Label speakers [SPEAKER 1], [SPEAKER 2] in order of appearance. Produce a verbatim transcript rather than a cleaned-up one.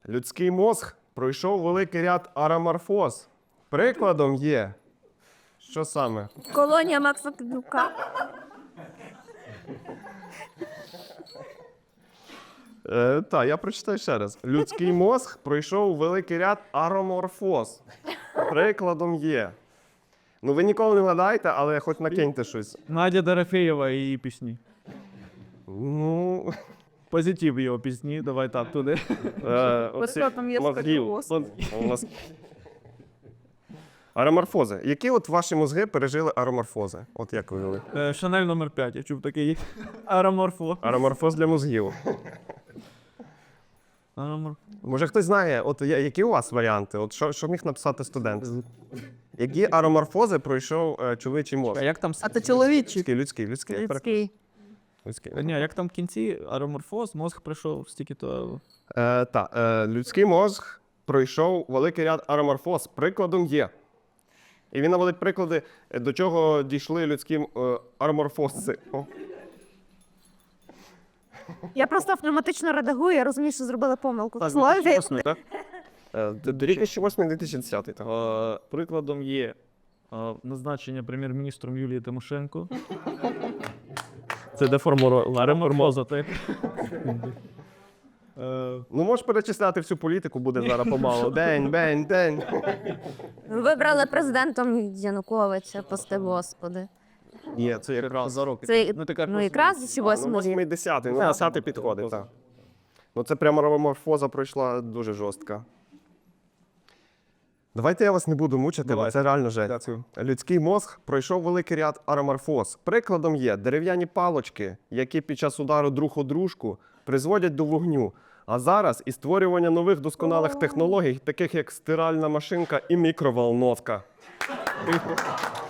[SPEAKER 1] Людський мозг пройшов великий ряд ароморфоз. Прикладом є. Що саме?
[SPEAKER 2] Колонія Макса Кадюка.
[SPEAKER 1] Е, так, я прочитаю ще раз. Людський мозг пройшов великий ряд ароморфоз. Прикладом є. Ну, ви ніколи не вгадаєте, але хоч накиньте щось.
[SPEAKER 3] Надя Дорофеєва і її пісні.
[SPEAKER 1] Ну,
[SPEAKER 3] Позитив його пісні, давай так, туди.
[SPEAKER 1] е, оці
[SPEAKER 2] там є
[SPEAKER 1] мозгів.
[SPEAKER 2] сколіоз.
[SPEAKER 1] У нас- Ароморфози. Які от ваші мозги пережили ароморфози? От як ви вели?
[SPEAKER 3] Е, Шанель номер п'ять, я чув такий. Ароморфо.
[SPEAKER 1] Ароморфоз для мозгів.
[SPEAKER 3] Аромор...
[SPEAKER 1] Може хтось знає, от я- які у вас варіанти? От що, що міг написати студент? Які ароморфози пройшов е, чоловічий мозг?
[SPEAKER 3] А як там...
[SPEAKER 2] А то чоловічий.
[SPEAKER 1] Людський, людський, людський. я перепрошую.
[SPEAKER 2] Людський.
[SPEAKER 1] Людський.
[SPEAKER 3] Ні, як там в кінці ароморфоз, мозг прийшов стільки то...
[SPEAKER 1] Е, та, е, людський мозг пройшов великий ряд ароморфоз. Прикладом є. І він наводить приклади, е, до чого дійшли людські е, ароморфози. О.
[SPEAKER 2] Я просто автоматично редагую, я розумію, що зробила помилку.
[SPEAKER 3] Так,
[SPEAKER 2] Слові.
[SPEAKER 3] дві тисячі восьмий, так?
[SPEAKER 1] Е, дві тисячі восьмий - дві тисячі десятий. так.
[SPEAKER 3] Е, Прикладом є е, назначення прем'єр-міністром Юлії Тимошенко. Це деформувала ароморфоза, так? Е,
[SPEAKER 1] Ну, можеш перечисляти всю політику, буде зараз помалу. День, день, день.
[SPEAKER 2] Вибрали президентом Януковича, пости господи.
[SPEAKER 1] Ні, це якраз за роки.
[SPEAKER 2] Це,
[SPEAKER 3] Ну, ти кажеш,
[SPEAKER 2] ну, якраз чи
[SPEAKER 1] Ну,
[SPEAKER 2] восьмий
[SPEAKER 1] восьмий,
[SPEAKER 2] рік.
[SPEAKER 1] десятий. Ну, десятий підходить, так. Ну, це прямо ароморфоза пройшла дуже жорстка. Давайте я вас не буду мучити, бо
[SPEAKER 3] Давай.
[SPEAKER 1] це реально жесть. Людський мозг пройшов великий ряд ароморфоз. Прикладом є дерев'яні палочки, які під час удару друг у дружку призводять до вогню. А зараз і створювання нових досконалих технологій, таких як стиральна машинка і мікроволновка.